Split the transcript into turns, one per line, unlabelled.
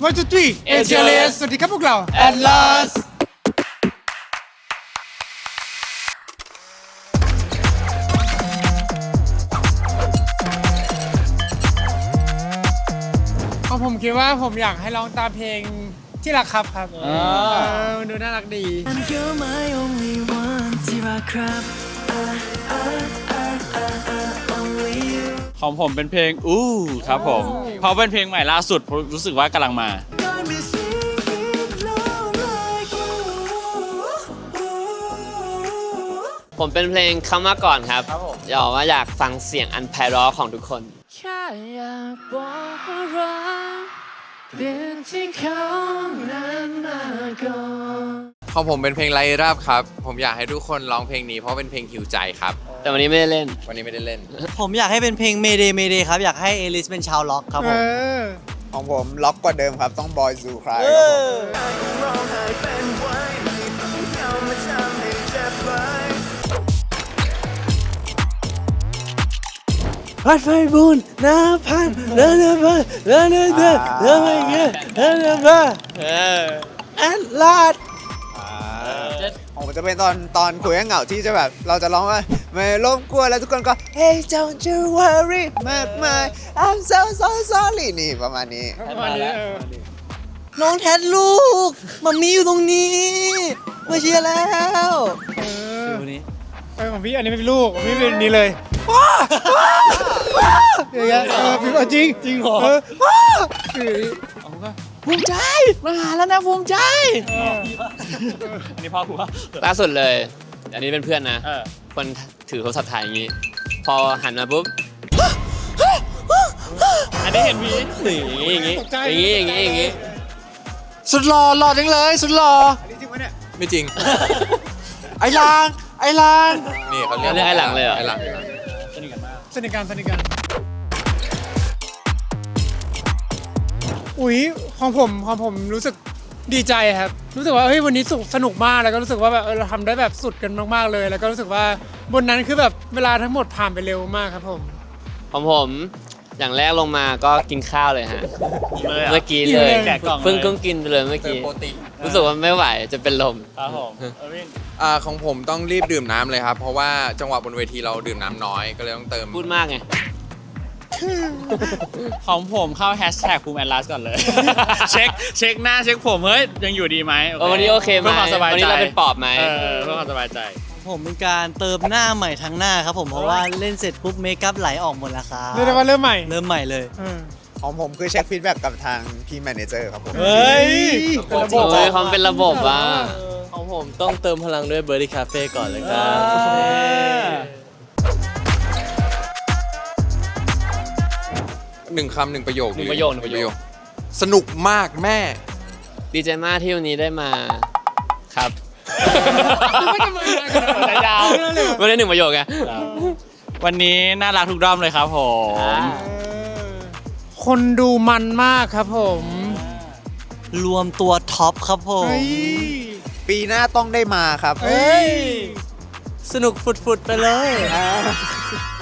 1 2 3 ATLS สวัสดีครับพวกเรา
Atlas
ผมคิดว่าผมอยากให้ร้องตามเพลงที่รักครับมันดูน่ารักดี
You're my only one ที่รักครับ only you
ของผมเป็นเพลงอู้ครับผมเพราะเป็นเพลงใหม่ล่าสุดรู้สึกว่ากำลังมา
Got me singing low like ooh.
ผมเป็นเพลงคำว่าก่อนครับอยากว่าอยากฟังเสียงอันไพเราะของทุกคน
แค่อยากบอกว่ารักเปลี่ยนที่เขานั้นมาก่อน
ของผมเป็นเพลงไลราบครับผมอยากให้ทุกคนร้องเพลงนี้เพราะเป็นเพลงหิวใจครับ
แต่วันนี้ไม่ได้เล่น
วันนี้ไม่ได้เล่น
ผมอยากให้เป็นเพลง Mayday Mayday ครับ อยากให้เอลิสเป็นชาวล็อกครับผม
ของผมล็อกกว่าเดิมครับต้องบอยซูคลาย
พัดไฟบุญน้ำพันเดินไปเดินไปเงี้ยเดินไปแอดลาด
ผมจะเป็นตอนคุยกับเหงาที่จะแบบเราจะร้องว่าไม่รบกวนแล้วทุกคนก็ Hey don't you worry มากมาย I'm so sorry นี่ประมาณนี้
น้องแทนลูกมัมมี่อยู่ตรงนี้มาเชียร์แล้วดูนี้
ของพี่อันนี้ไม่เป็นลูกของพี่เป็นนี้เลยอย่างเงี้ยพี่ก็จริงเหรอ
ภูมิใจมาหาแล้วนะภูมิใจอันนี้พ่อหัว
ล่าสุดเลย อันนี้เป็นเพื่อนนะ คนถือโทรศัพท์ถ่ายอย่างนี้ พอหันมาปุ๊บ
อันนี้เห็นมี
อย่างนี้
สุดหล่อจังเลยสุดหล่อไม่จริง ไอ้ลางนี่เขาเรียก
เรียกไอ้หลังเลยเหรอ
ไอ้หลัง
สนิทกันอุ๊ยของผมรู้สึกดีใจครับรู้สึกว่าเฮ้ยวันนี้สนุกมากแล้วก็รู้สึกว่าแบบเราทำได้แบบสุดกันมากๆเลยแล้วก็รู้สึกว่าบนนั้นคือแบบเวลาทั้งหมดผ่านไปเร็วมากครับผม
ของผมอย่างแรกลงมาก็กินข้าวเลยฮะ เมื่อกี้เลย
แกะกล่อง
เพิ่งกินไปเลยเมื่อ
เติม
กี้
โปรตีน
รู้สึกว่าไม่ไหวจะเป็นลม
ครับผม
ของผมต้องรีบดื่มน้ำเลยครับเพราะว่าจังหวะบนเวทีเราดื่มน้ำน้อยก็เลยต้องเติม
พูดมากไง
ของผมเข้าแฮชแท็กภูมิแอดลัสก่อนเลย เช็คหน้าเช็คผมเฮ้ยยังอยู่ดีไหม
วันนี้โอเคไหม
เพื่อความสบายใจ
วันนี้เราเป็นปอบไหม
เพื่อความสบายใจ
ผมเป็นการเติมหน้าใหม่ทั้งหน้าครับผมเพราะว่าเล่นเสร็จปุ๊บเมคอัพไหลออกหมดแล้วครับ
เรียกได้ว่าเริ่มใหม่
เริ่มใหม่เลย
ของผมคือเช็คฟีดแบ็กกับทางพี่แมเนเจอร์ครับผม
เฮ้ย
โอ้ยความเป็นระบบว่ะ
ของผมต้องเติมพลังด้วยเบอร์ดี้คาเฟ่ก่อนเลยครับ
หนึ่งคำหนึ่งประโยค
หนึ่งประโยค
สนุกมากแม่
ดีใจมากที่วันนี้ได้มาครับ
ยาว
ไม่ได้หนึ่งประโยคไง
วันนี้น่ารักทุกด้อมเลยครับผม
คนดูมันมากครับผม
รวมตัวท็อปครับผม
เฮ้ย
ปีหน้าต้องได้มาครับ
เฮ้ย
สนุกฝุดๆไปเลย